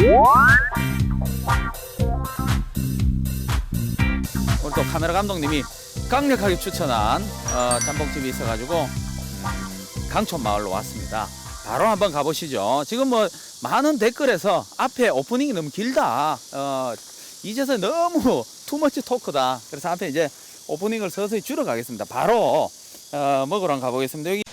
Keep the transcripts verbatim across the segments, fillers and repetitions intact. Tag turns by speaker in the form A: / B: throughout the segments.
A: 오늘 또 카메라 감독님이 강력하게 추천한 어, 짬뽕집이 있어가지고 음, 강촌 마을로 왔습니다. 바로 한번 가보시죠. 지금 뭐 많은 댓글에서 앞에 오프닝이 너무 길다. 어, 이제서 너무 투머치 토크다. 그래서 앞에 이제 오프닝을 서서히 줄여가겠습니다. 바로 어, 먹으러 가보겠습니다. 여기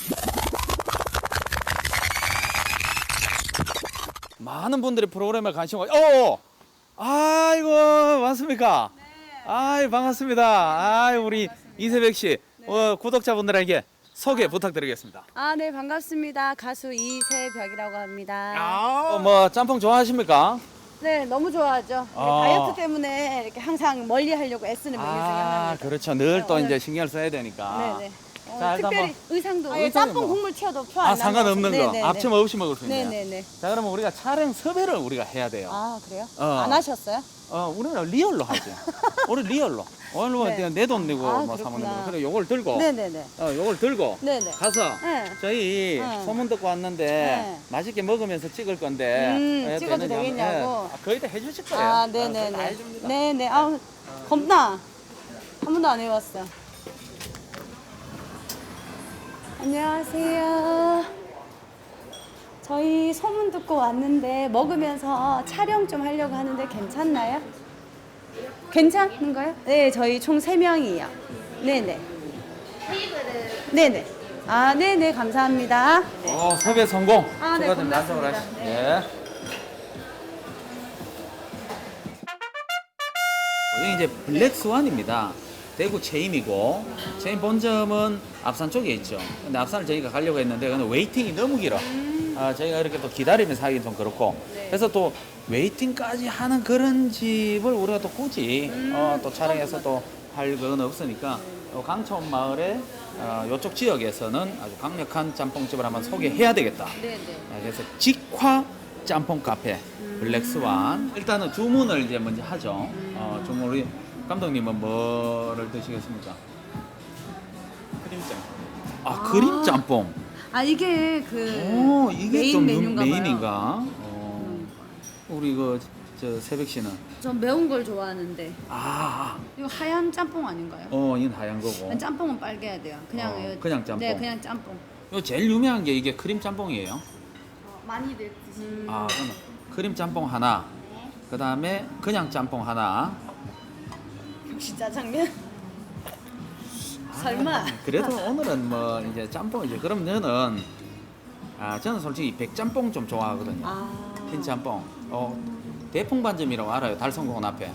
A: 많은 분들이 프로그램에 관심 가. 어, 아이고 맞습니까?
B: 네.
A: 아이 반갑습니다. 아이 우리 이세백 씨
B: 네.
A: 어, 구독자분들에게 소개 부탁드리겠습니다.
B: 아, 네, 반갑습니다. 가수 이세벽이라고 합니다.
A: 어, 뭐 짬뽕 좋아하십니까?
B: 네, 너무 좋아하죠. 네,
A: 아.
B: 다이어트 때문에 이렇게 항상 멀리 하려고 애쓰는 메뉴 중에
A: 아
B: 하나입니다.
A: 그렇죠. 늘 또
B: 네,
A: 이제
B: 오늘-
A: 신경을 써야 되니까.
B: 네, 네. 어,
A: 자, 일단
B: 특별히
A: 뭐-
B: 의상도
A: 아,
B: 예,
A: 의상이
B: 짬뽕
A: 뭐-
B: 국물 튀어도 표안
A: 아 상관없는 거.
B: 네네네.
A: 앞치마 없이 먹을 수 있네요.
B: 네네네.
A: 자 그러면 우리가 촬영 섭외를 우리가 해야 돼요.
B: 아, 그래요?
A: 어.
B: 안 하셨어요?
A: 어 우리는 리얼로 하죠. 우리 리얼로. 오늘 뭐
B: 네.
A: 내 돈 내고
B: 아,
A: 뭐 사모님.
B: 그렇구나.
A: 그래 요걸 들고.
B: 네네네.
A: 어 요걸 들고.
B: 네네.
A: 가서
B: 네.
A: 저희
B: 네.
A: 소문 듣고 왔는데
B: 네.
A: 맛있게 먹으면서 찍을 건데
B: 음,
A: 예,
B: 찍어도
A: 되느냐 하면,
B: 되겠냐고?
A: 예. 아, 거의 다 해주실 거예요.
B: 아,
A: 어, 거의 다
B: 네네네.
A: 해줍니다.
B: 네네. 아, 겁나. 한 번도 안 해봤어. 안녕하세요. 저희 소문 듣고 왔는데 먹으면서 촬영 좀 하려고 하는데 괜찮나요? 괜찮은가요? 네, 저희 총 세 명이요. 네네. 네네. 아, 네네. 감사합니다.
A: 어, 섭외 성공.
B: 아, 네,
A: 축하드립니다. 안쪽으로
B: 고맙습니다.
A: 하시-
B: 네.
A: 예. 여기 이제 블랙스완입니다. 대구 체임이고 체임 본점은 앞산 쪽에 있죠. 근데 앞산을 저희가 가려고 했는데 근데 웨이팅이 너무 길어. 아, 저희가 이렇게 또 기다리면서 하기 좀 그렇고.
B: 네.
A: 그래서 또 웨이팅까지 하는 그런 집을 우리가 또 굳이 어, 또 촬영해서 또 할 그건 없으니까 어, 강촌 마을의 어, 이쪽 지역에서는 아주 강력한 짬뽕집을 한번 소개해야 되겠다.
B: 네네.
A: 아, 그래서 직화 짬뽕 카페 블랙스완. 일단은 주문을 이제 먼저 하죠. 어, 주문 우리 감독님은 뭐를 드시겠습니까?
C: 크림짱.
A: 아,
B: 아.
A: 그림 짬뽕.
B: 아, 이게 그
A: 오, 이게
B: 메인
A: 좀
B: 메뉴인가 봐요.
A: 메인인가? 어. 우리 그 저 새벽 씨는
B: 전 매운 걸 좋아하는데
A: 아,
B: 이거 하얀 짬뽕 아닌가요?
A: 어, 이건 하얀 거고.
B: 짬뽕은 빨개야 돼요. 그냥
A: 어,
B: 이거-
A: 그냥 짬뽕.
B: 네, 그냥 짬뽕.
A: 이 제일 유명한 게 이게 크림 짬뽕이에요.
B: 많이들 드시는.
A: 아, 그러면 크림 짬뽕 하나. 그 다음에 그냥 짬뽕 하나.
B: 역시 짜장면. 설마.
A: 그래도 오늘은 뭐 이제 짬뽕 이제 그럼 너는 아 저는 솔직히 백짬뽕 좀 좋아하거든요.
B: 아.
A: 흰 짬뽕. 어 대풍반점이라고 알아요? 달성공원 앞에.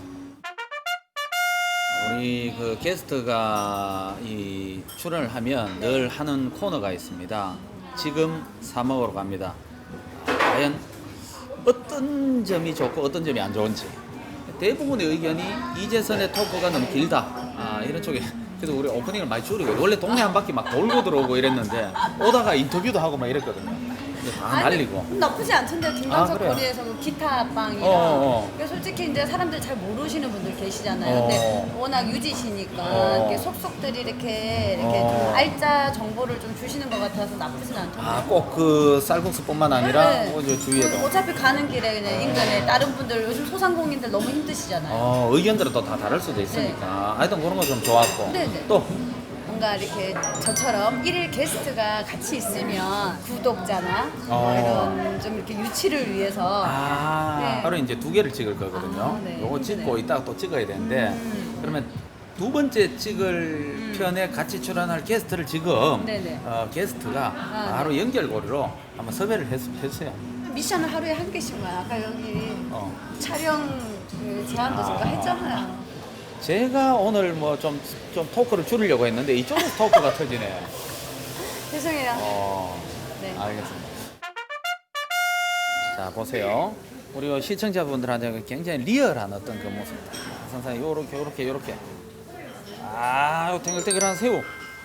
A: 우리 그 게스트가 이 출연을 하면 늘 하는 코너가 있습니다. 지금 사 먹으러 갑니다. 과연 어떤 점이 좋고 어떤 점이 안 좋은지. 대부분의 의견이 이재선의 토크가 너무 길다. 아, 이런 쪽에. 그래서 우리 오프닝을 많이 줄이고 원래 동네 한 바퀴 막 돌고 들어오고 이랬는데 오다가 인터뷰도 하고 막 이랬거든요. 이제 다 날리고.
B: 나쁘지 않던데 김광석
A: 아, 그래요?
B: 코디에서 그 기타 빵이랑.
A: 어, 어.
B: 그러니까 솔직히 이제 사람들 잘 모르시는 분들 계시잖아요.
A: 어.
B: 근데 워낙 유지시니까
A: 어.
B: 이렇게 속속들이 이렇게 이렇게
A: 어.
B: 좀 알짜 정보를 좀 주시는 것 같아서 나쁘진 않던데.
A: 아, 꼭 그 쌀국수뿐만 아니라
B: 네.
A: 뭐 저 주위에도.
B: 어차피 가는 길에 그냥 인근에 다른 분들 요즘 소상공인들 너무 힘드시잖아요.
A: 어, 의견들은 또 다 다를 수도 있으니까. 하여튼 그런 거 좀 좋았고.
B: 네, 네.
A: 또
B: 뭔가 이렇게 저처럼 일일 게스트가 같이 있으면 구독자나 뭐
A: 어.
B: 이런 좀 이렇게 유치를 위해서
A: 아,
B: 네.
A: 하루 이제 두 개를 찍을 거거든요.
B: 아, 네.
A: 요거 찍고
B: 힘드네요.
A: 이따가 또 찍어야 되는데
B: 음.
A: 그러면 두 번째 찍을 편에 같이 출연할 게스트를 지금
B: 네네.
A: 어, 게스트가
B: 아,
A: 바로 연결고리로 한번 섭외를 했, 했어요.
B: 미션을 하루에 한 개씩만 아까 여기
A: 어.
B: 촬영 그 제안도 제가
A: 아.
B: 했잖아요.
A: 제가 오늘 뭐 좀 좀 토크를 줄이려고 했는데 이쪽에서 토크가 터지네.
B: 죄송해요.
A: 어,
B: 네.
A: 알겠습니다. 자, 보세요. 우리 시청자분들한테 굉장히 리얼한 어떤 그 모습. 선생님, 요렇게, 요렇게, 요렇게. 아, 요 탱글탱글한 새우.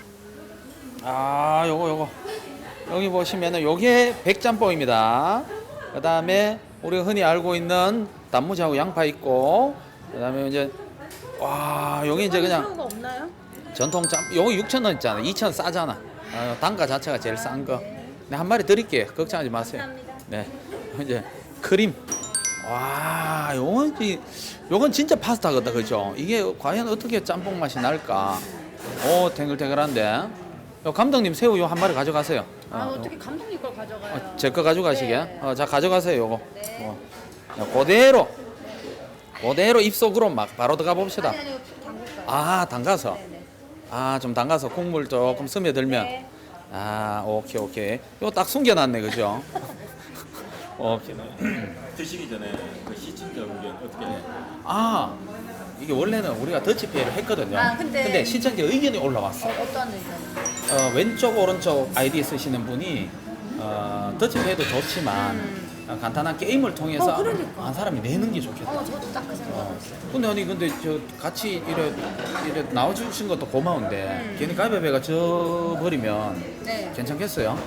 A: 아, 요거, 요거. 여기 보시면은 요게 백짬뽕입니다. 그 다음에 우리가 흔히 알고 있는 단무지하고 양파 있고, 그 다음에 이제, 와, 여기 이제 그냥
B: 새우가 없나요?
A: 전통 짬, 요거 육천 원 있잖아. 이천 원 싸잖아. 어, 단가 자체가 제일 싼 거. 네, 한 마리 드릴게요. 걱정하지 마세요.
B: 감사합니다.
A: 네. 이제 크림. 와, 요건, 이- 요건 진짜 파스타거든, 그죠? 이게 과연 어떻게 짬뽕 맛이 날까? 오, 탱글탱글한데. 요 감독님 새우 요 한 마리 가져가세요.
B: 아
A: 어,
B: 어떻게 감독님 걸 가져가요?
A: 어, 제 거 가져가시게.
B: 네.
A: 어, 자, 가져가세요, 요거.
B: 네.
A: 어. 야, 그대로. 그대로 입속으로 막 바로 들어가 봅시다.
B: 아니 아니 담글까요?
A: 아, 담가서.
B: 네네.
A: 아, 좀 담가서 국물 조금 스며들면.
B: 네.
A: 아, 오케이, 오케이. 이거 딱 숨겨놨네, 그죠? 오케이.
C: 드시기 전에 그 시청자 의견 어떻게 해요?
A: 아, 이게 원래는 우리가 더치페이를 했거든요.
B: 아, 근데-
A: 시청자 의견이 올라왔어.
B: 어, 어떤 의견?
A: 어, 왼쪽, 오른쪽 아이디 쓰시는 분이 어, 더치페이도 좋지만
B: 음.
A: 어, 간단한 게임을 통해서
B: 어, 그러니까.
A: 한 사람이 내는 게 좋겠다.
B: 어 저도 딱 그 생각했어요.
A: 근데 아니 근데 저 같이 이래 이래 나와주신 것도 고마운데
B: 음.
A: 괜히 가위바위보가 져 버리면
B: 네.
A: 괜찮겠어요?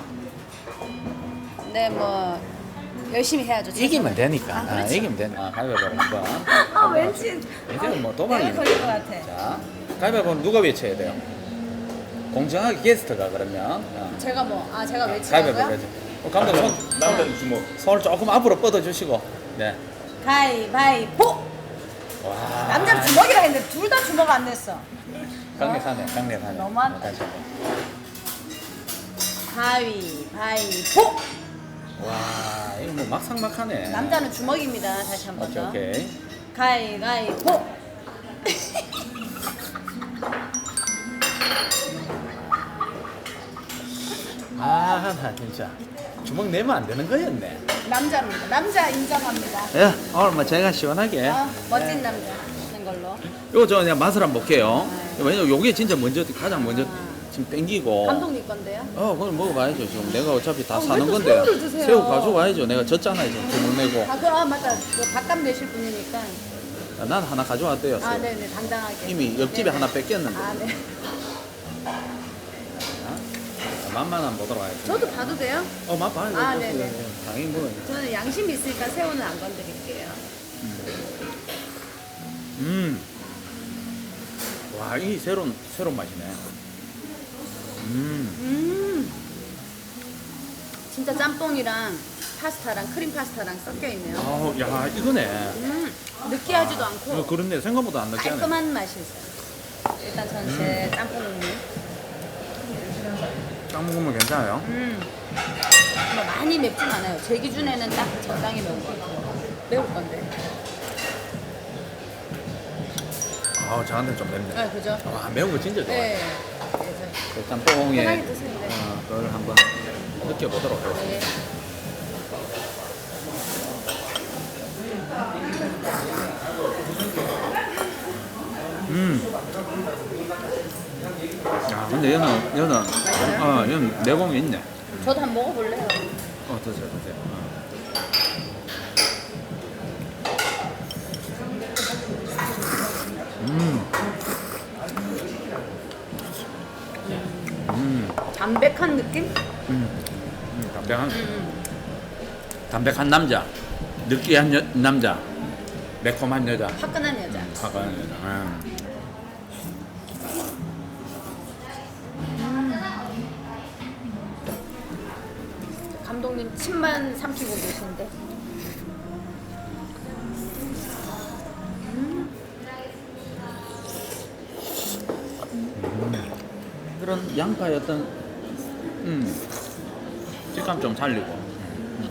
B: 네, 뭐 열심히 해야죠.
A: 이기면 되니까.
B: 아,
A: 아,
B: 그렇죠.
A: 이기면 되니까. 아, 가위바위보 한번.
B: 아, 왠지
A: 이제는 뭐
B: 내가
A: 도박이니까.
B: 걸릴 것 같아.
A: 자, 가위바위보는 누가 외쳐야 돼요? 공정하게 게스트가 그러면. 어.
B: 제가 뭐, 아 제가
A: 가위바위보
B: 외치라고요?
A: 외쳐. 어, 감독 손,
C: 남자는 주먹.
A: 손을 조금 앞으로 뻗어주시고. 네.
B: 가위바위보.
A: 와.
B: 남자는 주먹이라 했는데 둘 다 주먹 안 냈어.
A: 강력하네, 강력하네.
B: 너무한-
A: 어, 다시 한 번.
B: 가위바위보.
A: 와, 이거 뭐 막상막하네.
B: 남자는 주먹입니다. 다시 한 번
A: 오케이,
B: 더.
A: 오케이.
B: 가위바위보.
A: 아, 나 진짜. 주먹 내면 안 되는 거였네.
B: 남자입니다. 남자 인정합니다.
A: 예, 오늘 뭐 제가 시원하게.
B: 어, 멋진 남자 하는 걸로.
A: 이거 저 그냥 맛을 한번 볼게요.
B: 네.
A: 왜냐면 요게 진짜 먼저, 가장 먼저 지금 땡기고.
B: 감독님 건데요?
A: 어, 그걸 먹어봐야죠. 지금 내가 어차피 다
B: 아,
A: 사는
B: 왜 또
A: 건데.
B: 새우를 드세요?
A: 새우 가져와야죠. 내가 졌잖아요. 지금 주먹 내고.
B: 아, 그, 아 맞다. 그 밥값 내실 분이니까.
A: 아, 난 하나 가져왔대요.
B: 아,
A: 새우.
B: 네네, 당당하게.
A: 이미 옆집에
B: 네네.
A: 하나 뺏겼는데.
B: 아, 네.
A: 자, 맛만 한번 보도록 하겠습니다.
B: 저도 봐도 돼요?
A: 어, 맛 봐요.
B: 아,
A: 어,
B: 네네.
A: 당연히 먹어요.
B: 저는 양심이 있으니까 새우는 안 건드릴게요.
A: 음. 와, 이 새로운, 새로운 맛이네. 음.
B: 음. 진짜 짬뽕이랑 파스타랑 크림 파스타랑 섞여 있네요.
A: 아우, 야, 이거네.
B: 음. 느끼하지도 않고
A: 어, 그렇네. 생각보다 안 느끼하네.
B: 깔끔한 맛이 있어요. 일단 저는 제 짬뽕 국물.
A: 딱 먹으면 괜찮아요.
B: 음. 뭐 많이 맵진 않아요. 제 기준에는 딱 적당히 매운 것 같아요. 매울 건데.
A: 아우, 저한테 좀 맵네.
B: 네, 그죠?
A: 와, 매운 거 진짜 좋아요.
B: 네. 그래서
A: 그 짬뽕에
B: 편하게 드세요. 네.
A: 어, 그걸 한번 느껴보도록 하겠습니다.
B: 네.
A: 음. 야, 근데 얘는, 얘는, 어, 얘는 내공이 있네.
B: 저도 한번 먹어볼래요.
A: 어, 드세요, 드세요. 어. 음. 음.
B: 담백한 느낌?
A: 음. 음, 담백한,
B: 음.
A: 담백한 남자, 느끼한 여, 남자, 매콤한 여자,
B: 화끈한 여자.
A: 화가한 여자. 음.
B: 감독님 침만 삼키고 계신데.
A: 그런 양파의 어떤 음, 식감 좀 살리고. 음.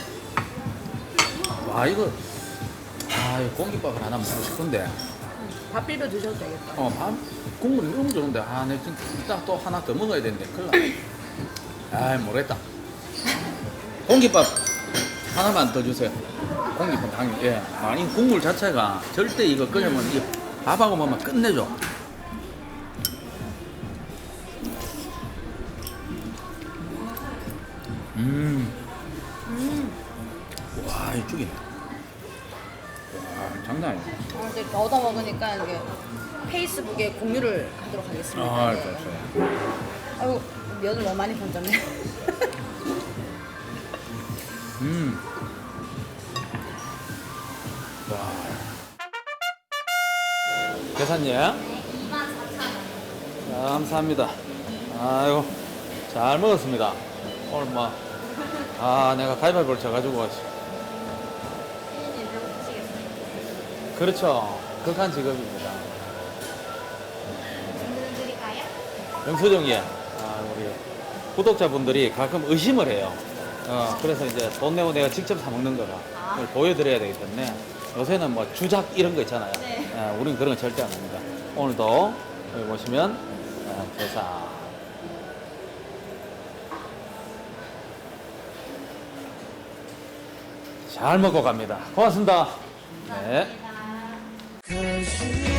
A: 와, 이거, 아, 이거 공깃밥을 하나 먹고 싶은데.
B: 밥 비벼 드셔도 되겠다.
A: 어, 밥 국물이 너무 좋은데, 아, 내가 지금 이따 또 하나 더 먹어야 되는데, 큰일 나. 아이, 모르겠다. 공깃밥 하나만 더 주세요. 공깃밥 당연히, 예. 아, 이 국물 자체가 절대 이거 끓이면 이 밥하고 먹으면 끝내줘. 음,
B: 음.
A: 와, 이 죽이네. 와, 장난 아니야.
B: 어, 이제 얻어 먹으니까 이게 페이스북에 공유를 하도록 하겠습니다.
A: 아,
B: 네.
A: 그렇죠.
B: 아이고, 면을 너무 많이 건졌네.
A: 음. 와. 계산님. 자, 감사합니다. 아이고, 잘 먹었습니다. 오늘 뭐, 아, 내가 가위바위보를 져가지고. 그렇죠. 극한 직업입니다.
D: 드릴까요?
A: 영수증이 아, 우리 구독자분들이 가끔 의심을 해요. 어, 그래서 이제 돈 내고 내가 직접 사 먹는 거라 그걸 보여드려야 되기 때문에 요새는 뭐 주작 이런 거 있잖아요.
D: 네.
A: 예, 우리는 그런 거 절대 안 합니다. 오늘도 여기 보시면 어, 계산. 잘 먹고 갑니다. 고맙습니다. 네.
D: 감사합니다.